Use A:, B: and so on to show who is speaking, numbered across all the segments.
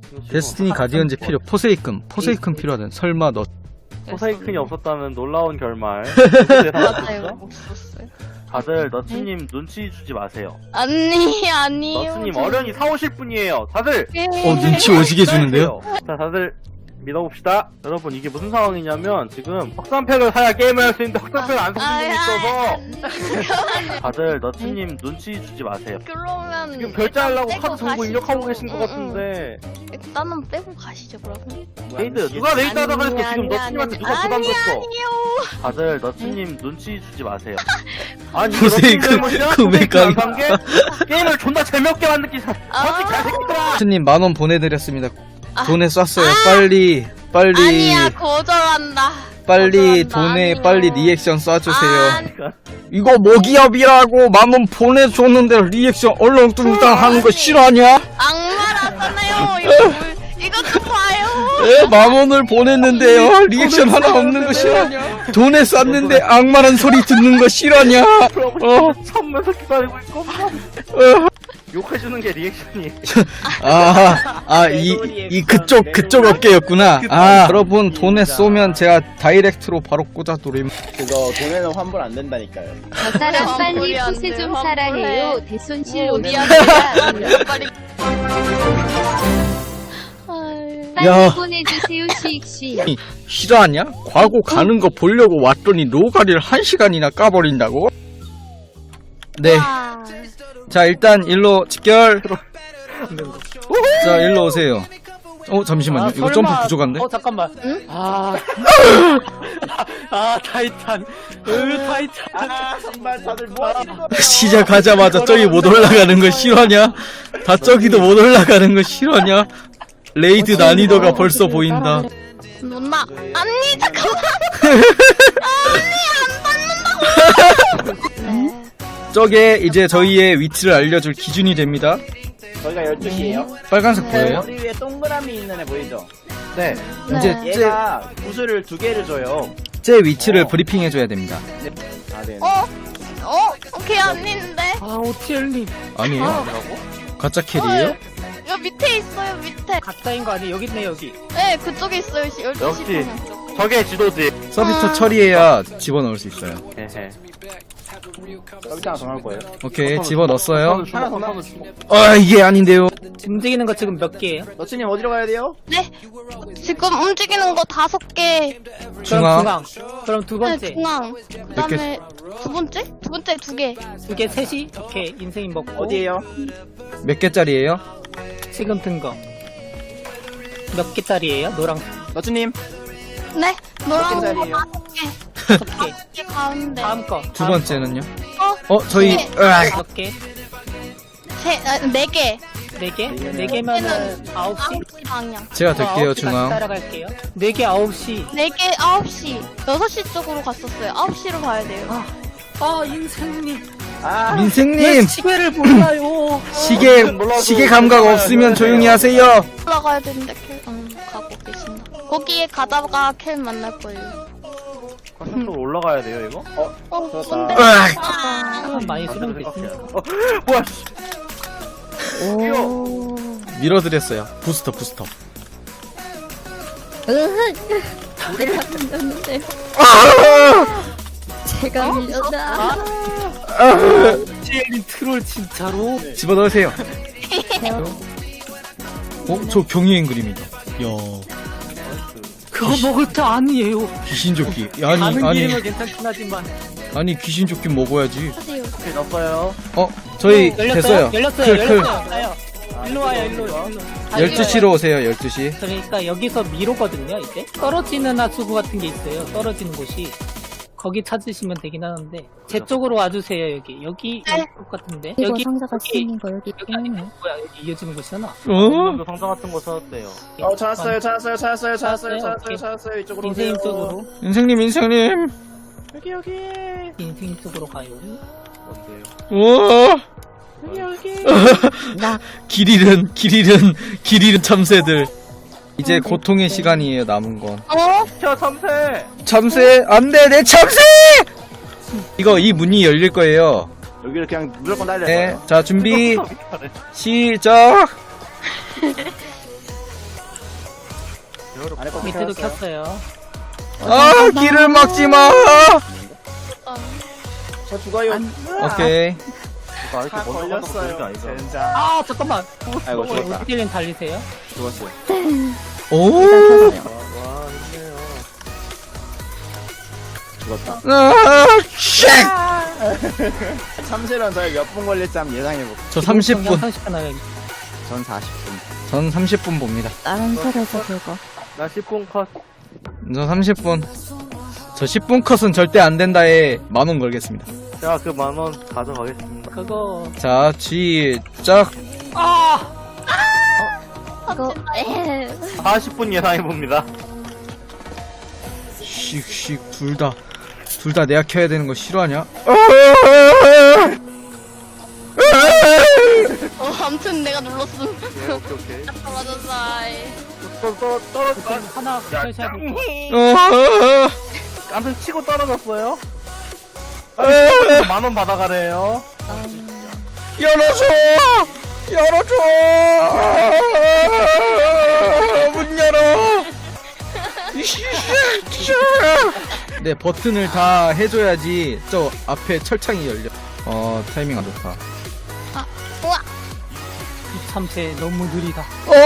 A: 데스티니 가디언즈 필요. 포세이큰 필요하든. 설마 너
B: 포세이큰이 없었다면 놀라운 결말.
C: 맞아요. 없었어요.
B: 다들 너츠님 눈치 주지 마세요.
C: 아니요.
B: 너츠님 어련히 사오실 분이에요. 다들
A: 눈치 오지게 주는데요?
B: 자, 다들 믿어봅시다. 여러분, 이게 무슨 상황이냐면 지금 확산팩을 사야 게임을 할 수 있는데 확산팩을 안 사는 분이 있어서 다들 너츠님 눈치 주지 마세요.
C: 그러면
B: 지금 결제하려고
C: 일단
B: 카드
C: 빼고
B: 정보 입력하고
C: 가시죠.
B: 계신 것 같은데
C: 일단은 빼고 가시죠 그러면.
B: 레이드 누가 레이드 하다 그랬어? 지금
C: 아니,
B: 너츠님한테 누가
C: 아니,
B: 부담 줬어?
C: 아니요.
B: 다들 너츠님 눈치 주지 마세요. 아니
A: 포세이큰 금액
B: 관계 게임을 존나 재미없게 만들기 솔직히 개새끼들아.
A: 스님 10,000원 보내드렸습니다.
C: 아.
A: 돈에 쐈어요. 빨리
C: 아니야 거절한다.
A: 빨리
C: 거절한다.
A: 돈에
C: 아니요.
A: 빨리 리액션 쏴주세요.
C: 아니.
A: 이거 모기업이라고 10,000원 보내줬는데 리액션 얼렁뚱땅 하는 거 싫어하냐?
C: 악마라잖아요. 이거 좀 봐요.
A: 10,000원을 보냈는데요 리액션 하나 없는 거 싫어하냐? 돈에 쐈는데 악마란 소리 듣는 거 싫어하냐?
B: 참면서 기다리고 있고 욕해주는 게 리액션이.
A: 이 그쪽 어깨였구나. 여러분 돈에 쏘면 제가 다이렉트로 바로 꽂아드림.
D: 그거 돈에는 환불 안 된다니까요.
E: 저 사람 빨리
C: 환불이 안
E: 푸세
C: 돼,
E: 좀
C: 환불해.
E: 사라해요. 대손실 오면
C: 미안해. 빨리.
A: 야.
E: 빨리 보내주세요. 시익씨.
A: 싫어하냐? 과거 가는 거 보려고 왔더니 노가리를 1시간이나 까버린다고? 네.
C: 와.
A: 자 일단 일로 직결. 자 일로 오세요. 잠시만요. 이거 점프 부족한데?
F: 잠깐만.
C: 응?
F: 타이탄. 타이탄.
D: 정말 다들 뭐 하시는 거예요?
A: 시작하자마자 저기 못 올라가는 거 싫어하냐? 다 저기도 못 올라가는 거 싫어하냐? 레이드 난이도가 벌써 보인다.
C: 누나. 언니 잠깐만.
A: 저게 이제 저희의 위치를 알려줄 기준이 됩니다.
D: 저희가 12시에요.
A: 빨간색 보여요?
D: 머리 위에 동그라미 있는 애 보이죠?
B: 네.
A: 이제
D: 얘가 구슬을 2개를 줘요.
A: 제 위치를 브리핑해줘야 됩니다.
D: 네.
C: 오케이 아닌데.
F: 오티엘님.
A: 아니에요? 가짜 캐리에요?
C: 여기 밑에 있어요 밑에.
F: 가짜인 거 아니에요? 여기 있네, 여기.
C: 네 그쪽에 있어요. 12시
B: 역시.
C: 방향 쪽.
B: 저게 지도지.
A: 서비스 처리해야 집어넣을 수 있어요.
B: 헤헤.
D: 여기 하나 더 나올 거예요.
A: 오케이 집어넣었어요.
D: 하나 더 나올
A: 이게 아닌데요.
F: 움직이는 거 지금 몇 개예요?
D: 너츠님 어디로 가야 돼요?
C: 네. 지금 움직이는 거 5개.
A: 중앙.
F: 그럼 두
C: 네,
F: 번째.
C: 중앙. 그다음에 두 번째? 두 번째 2개.
F: 두 개, 셋이? 오케이. 인생이 먹고.
D: 어디에요?
A: 몇 개짜리예요?
F: 지금 든 거. 몇 개짜리예요? 노랑
D: 너츠님
C: 네. 노란 거
D: 개짜리예요?
C: 5개.
F: 첫 개.
C: 5개 가운데.
F: 다음 거.
A: 두 번째는요?
C: 네.
A: 저희
F: 몇 개?
C: 4개.
F: 네 개? 네 개면은 9시?
C: 9시 방향.
A: 제가 될게요 중앙.
F: 따라갈게요. 네 개 9시.
C: 4개 9시. 6시 쪽으로 갔었어요. 9시로 가야 돼요.
F: 인생님.
A: 민생님
F: 시계를 몰라요.
A: 시계 감각 없으면 조용히 하세요.
C: 올라가야 되는데 가고 계신다. 거기에 가다가 켈 만날 거예요.
B: 가슴으로 올라가야 돼요 이거?
C: 근데
F: 시간 많이 수령됐어.
B: 뭐야?
A: 밀어드렸어요. 부스터.
E: 제가 밀렸다.
F: TL님 트롤 진짜로?
A: 집어넣으세요. 저 경이행 그림이다. 야
F: 그거 먹을 때 아니에요.
A: 귀신조끼.
F: 다른 게임은 괜찮긴 하지만.
A: 아니 귀신조끼 먹어야지.
B: 오케이 넣었어요.
A: 저희 됐어요.
F: 열렸어요.
A: 클.
F: 가요. 일로 와요, 일로.
A: 12시로 오세요. 12시.
F: 그러니까 여기서 미로거든요, 이제. 떨어지는 하수구 같은 게 있어요. 떨어지는 곳이. 거기 찾으시면 되긴 하는데. 제 쪽으로 와주세요, 여기. 여기 쪽 같은데. 여기
E: 상자가
F: 여기
E: 쓰는 거 여기
F: 여기 아니면 뭐야? 여기 이어지는 곳이잖아.
B: 그 상자 같은 거 찾았대요.
D: 찾았어요. 이쪽으로
F: 인생
D: 오세요.
F: 쪽으로.
A: 인생님.
D: 여기.
F: 인생 쪽으로 가요.
A: 우와.
F: 여기.
A: 길 잃은 참새들. 이제 고통의 시간이에요. 남은 건.
B: 저 참새.
A: 참새 안돼 내 참새. 이 문이 열릴 거예요.
D: 여기를 그냥 무조건 날려요.
A: 네, 자 준비 시작.
D: 안에 거
F: 밑에도
D: 켰어요.
F: 켰어요.
A: 아, 길을 막지마!
D: 저 죽어요.
A: 오케이.
B: 아, 이렇게
D: 다
B: 먼저
D: 걸렸어요.
B: 가서 그런 게
D: 젠장.
F: 아 잠깐만.
D: 아이고 죽었다.
F: 우디님 달리세요.
D: 죽었어요.
A: 오!
B: 와, 힘내요.
D: 죽었다.
A: 아, 쉣!
D: 참새는 저희 몇 분 걸릴지 한번 예상해볼게요.
A: 저 30분.
F: 30분 하요.
D: 전 40분.
A: 전 30분 봅니다.
E: 다른 설에서 그거.
B: 나 10분 컷.
A: 저 30분. 저 10분 컷은 절대 안 된다에 10,000원 걸겠습니다.
B: 제가 그 10,000원 가져가겠습니다.
F: 그거
A: 자, 시작.
F: 아
E: 이거
B: 40분 예상해봅니다.
A: 씩씩 둘 다 내가 켜야 되는 거 싫어하냐?
C: 아무튼 내가 눌렀음.
B: 오케이.
C: 떨어졌어.
B: 떨어졌어.
F: 하나 켜셔야 돼.
B: 깜짝 치고 떨어졌어요? 10,000원 받아가래요.
A: 열어줘! 열어줘! 문 열어! 네, 버튼을 다 해줘야지 저 앞에 철창이 열려. 타이밍 안 좋다.
C: 우와.
F: 이 참새 너무 느리다.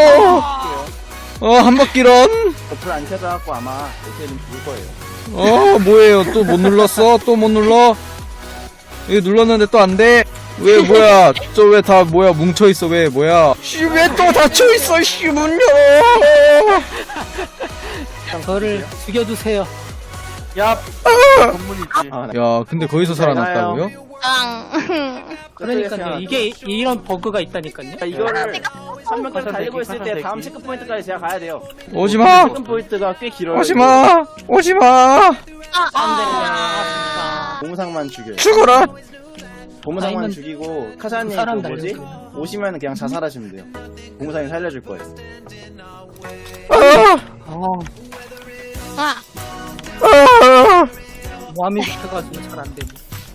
A: 한 바퀴런?
D: 불 안 켜져갖고 아마 이제는 죽을 거예요.
A: 뭐예요? 또 못 눌렀어? 또 못 눌러? 이거 눌렀는데 또 안 돼? 왜, 뭐야? 저 왜 다, 뭐야, 뭉쳐있어, 왜, 뭐야? 씨, 왜 또 닫혀있어, 씨, 문 열어!
F: 저를 죽여주세요.
B: 야, 건문이지.
A: 야, 근데 거기서 살아났다고요?
C: 앙.
F: 그러니까요. 이게 이런 버그가 있다니까요.
D: 이거를 3명까지 달리고 있을 때 다음 체크 포인트까지 제가 가야 돼요.
A: 오지마!
D: 체크 포인트가 꽤 길어요.
A: 오지마! 오지마!
D: 고무상만 죽여요.
A: 죽어라!
D: 고무상만
F: 아니면
D: 죽이고 카사님
F: 사람
D: 그 뭐지?
F: 달려요.
D: 오시면 그냥 자살하시면 돼요. 고무상이 살려줄 거예요.
C: 아.
F: 모함이 붙어가지고 잘 안 되네.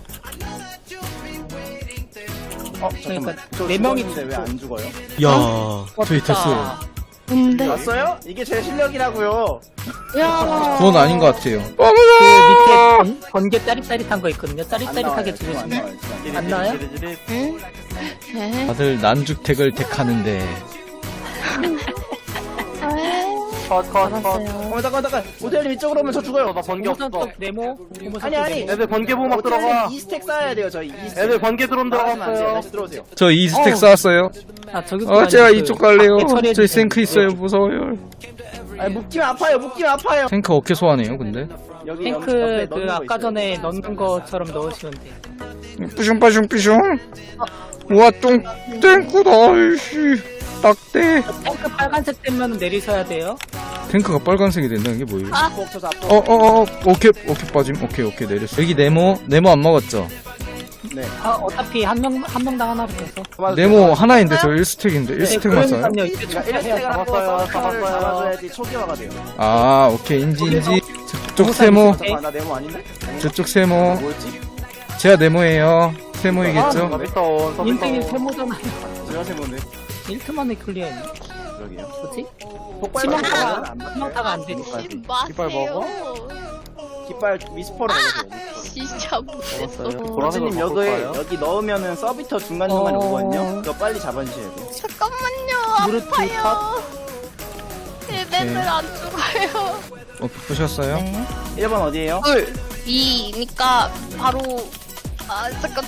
D: 잠깐만.
F: 그러니까
D: 저
F: 네 명이
D: 죽었는데 왜 안 죽어요?
A: 야, 저희 됐어요.
C: 근데.
D: 왔어요? 이게 제 실력이라고요.
C: 야.
A: 그건 아닌 것 같아요.
F: 그 밑에 번개 짜릿짜릿한 거 있거든요.
D: 안
F: 짜릿짜릿하게
D: 나와요. 지금
F: 죽으시면
D: 나와요, 지금.
F: 안 나와요?
C: 응? 네.
A: 다들 난죽택을 택하는데.
B: 컷.
D: 잠깐. 모델님 이쪽으로 오면 저 죽어요.
B: 나 번개 없어.
F: 네모.
D: 아니.
B: 애들 번개 보막 들어가.
D: 2스택 쌓아야 돼요, 저희 2스택.
B: 애들 번개 드론
D: 들어가면 안 돼요.
B: 들어갔어요.
D: 다시 들어오세요.
A: 저 2스택 쌓았어요.
F: 아 저기.
A: 제가 이쪽 갈래요. 저희 생크 있어요. 무서워요.
D: 아니, 묶이면 아파요.
A: 탱크 어깨 소환해요, 근데?
D: 여기
F: 탱크
D: 옆에
F: 그
D: 넣는 거
F: 아까
D: 있어요.
F: 전에 넣는 것처럼 넣으시면 돼요.
A: 삐숑. 우와, 탱크다, 이씨. 딱대.
F: 탱크 빨간색 되면 내리셔야 돼요.
A: 탱크가 빨간색이 된다는 게 뭐예요?
D: 앞으로 쳐서 앞으로.
A: 오케이 빠짐. 오케이, 내렸어. 여기 네모 안 먹었죠?
D: 네.
F: 어차피 한 명당 하나 붙어서.
A: 네모 하나인데 저 1스택인데 1스택만 써요?
F: 그러니까요. 이제
D: 그러니까 1스택을 하고
B: 잡았어요.
D: 서클을 잡아줘야지 초기화가 돼요.
A: 아, 오케이, 인지. 저쪽 세모,
D: 잠깐만, 나 네모 아닌데?
A: 저쪽 세모.
D: 뭐였지?
A: 제가 네모예요. 세모이겠죠?
B: 서비스온.
F: 인생이 세모잖아요.
D: 제가 세모인데.
F: 1트만에 클리어했네.
D: 그러게요.
F: 뭐지?
D: 폭발
F: 치명타가
D: 안 맞아요.
F: 치명타가 안 되니까.
B: 깃발 먹어?
D: 깃발 미스퍼로 먹으세요.
C: 진짜 못했어.
D: 보라님 여기 넣으면은 서비터 중간중간에 오거든요. 그거 빨리 잡아주셔야 돼요.
C: 잠깐만요.
F: 무릎
C: 아파요. 얘네들 안 죽어요.
A: 보셨어요?
D: 1번 어디에요?
C: 둘. 위니까 바로 잠깐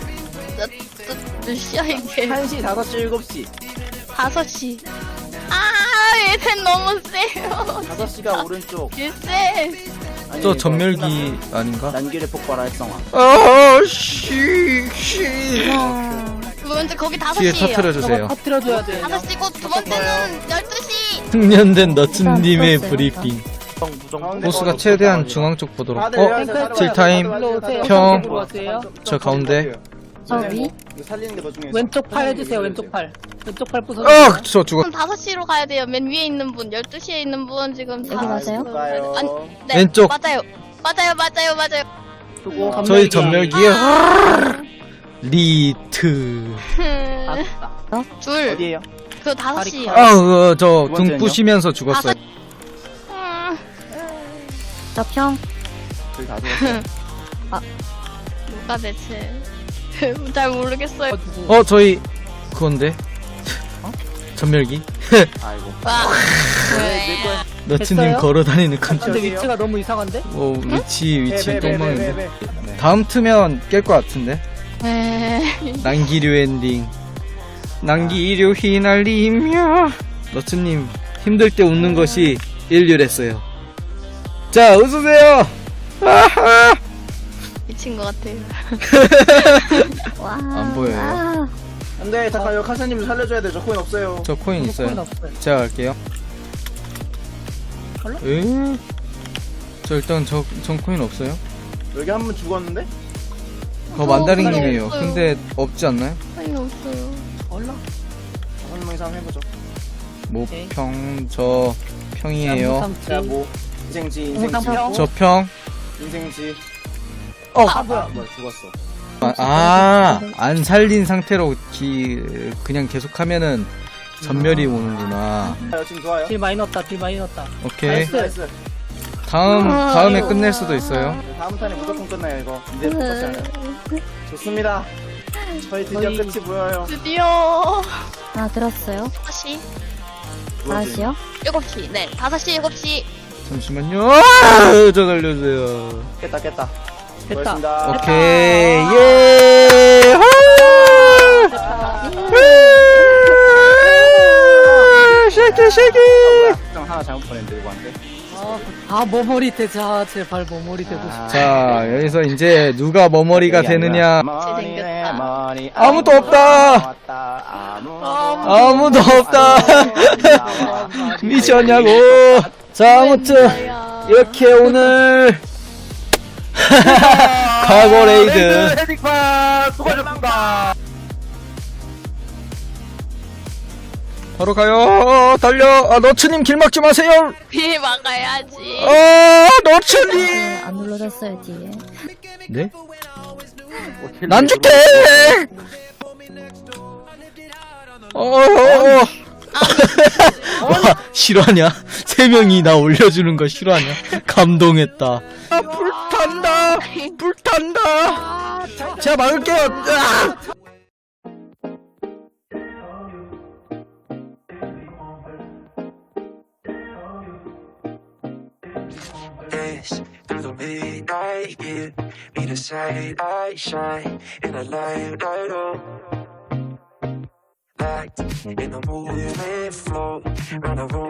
C: 몇 시야 이게?
D: 1시, 5시, 7시.
C: 5시. 얘네 너무 세요.
D: 5시가 오른쪽.
C: 얘세.
D: 아니,
A: 저
D: 이거
A: 전멸기 아닌가?
D: 난길의 폭발 활성화.
C: 먼저 거기
A: 뒤에
C: 5시에요.
A: 터트려주세요.
F: 터트려줘야 돼요.
C: 5시고 두 번째는 12시.
A: 숙련된 너츠님의 브리핑.
B: 무정.
A: 보스가 최대한 중앙 쪽 보도록.
D: 다들 일어나세요.
A: 딜타임.
F: 일로 오세요.
A: 형.
F: 일로 오세요.
A: 저 가운데.
E: 위?
D: 이거 살리는 게 더 중요해요.
F: 왼쪽 팔 해주세요. 왼쪽 팔. 왼쪽 팔 부숴주세요.
A: 저 죽었.
C: 그럼 5시로 가야 돼요. 맨 위에 있는 분, 12시에 있는 분 지금
E: 여기 가세요?
D: 가요.
C: 네,
A: 왼쪽.
C: 맞아요.
B: 수고.
A: 저희 전멸기요. 리트.
C: 둘.
D: 어디에요?
C: 그 5시.
A: 저
D: 두
A: 등
D: 번째는요?
A: 부시면서 죽었어요.
E: 저 평.
D: 저희 다 죽었어요.
C: 누가 대체. 잘 모르겠어요.
A: 저희 그건데 전멸기
D: 아이고.
C: 와.
D: 내 거야.
A: 너츠님
F: 됐어요?
A: 걸어다니는 컨
F: 근데 위치가 너무 이상한데?
A: 위치 똥망인데
D: 네.
A: 다음 트면 깰 것 같은데
C: 에.
A: 난기류 엔딩 난기류 휘날리며 너츠님 힘들 때 웃는 것이 인류랬어요. 자 웃으세요. 아하.
C: 미친 것 같아요.
E: 와.
A: 안 보여요.
E: 아,
D: 안돼, 잠깐 요 카사님 살려줘야 돼. 저 코인 없어요.
A: 저 코인
F: 코인
A: 있어요.
F: 없어요.
A: 제가 갈게요.
F: 헐라?
A: 저 일단 전 코인 없어요.
D: 여기 한 분 죽었는데?
A: 그거 만다링님이에요.
C: 없어요.
A: 근데 없지 않나요?
C: 아니 없어요.
F: 얼라.
D: 한 명이서 한번 해보죠.
F: 오케이.
A: 모평 저 평이에요.
D: 자, 뭐 인생지, 인생지,
F: 홍삼평.
A: 저 평.
D: 인생지.
A: 아,
D: 뭐야 죽었어.
A: 안 살린 상태로 그냥 계속하면은 전멸이 오는구나.
D: 지금 좋아요.
F: 딜 많이 넣었다. 딜 많이 넣었다.
A: 오케이.
F: 나이스.
D: 나이스.
A: 다음에 끝낼 수도 있어요.
D: 다음 탄에 무조건 끝나요 이거. 이제 똑같지 않아요. 좋습니다. 저희 드디어
F: 저희-
D: 끝이 보여요.
C: 드디어.
E: 아, 들었어요.
C: 5시?
E: 4시요?
C: 7시. 네. 5시, 7시.
A: 잠시만요. 저 살려주세요.
D: 깼다.
F: 됐다.
D: 고맙습니다.
A: 오케이. 예. 쉐키.
D: 좀 하나 잘못 보냈는데 이거 안 돼.
F: 머머리 되자. 제발 머머리 되고 싶어.
A: 자, 여기서 이제 누가 머머리가 되느냐.
D: 머리네, 머리.
A: 아무도 없다. 아무도 없다. 미쳤냐고. 자, 아무튼 이렇게 오늘 과거 레이드
B: 헤딩판 수고하셨습니다.
A: 바로 가요. 달려. 너츠님 길 막지 마세요.
C: 비 막아야지.
A: 너츠님.
E: 안 눌러졌어요, 뒤에.
A: 네? 난 줄게. 와, 싫어하냐? 세 명이 나 올려주는 거 싫어하냐? 감동했다. 불탄다. 제가 막을게요.
G: Dance through the midnight, give me the sight I shine in a light, light up. Locked in the movement flow, round the room.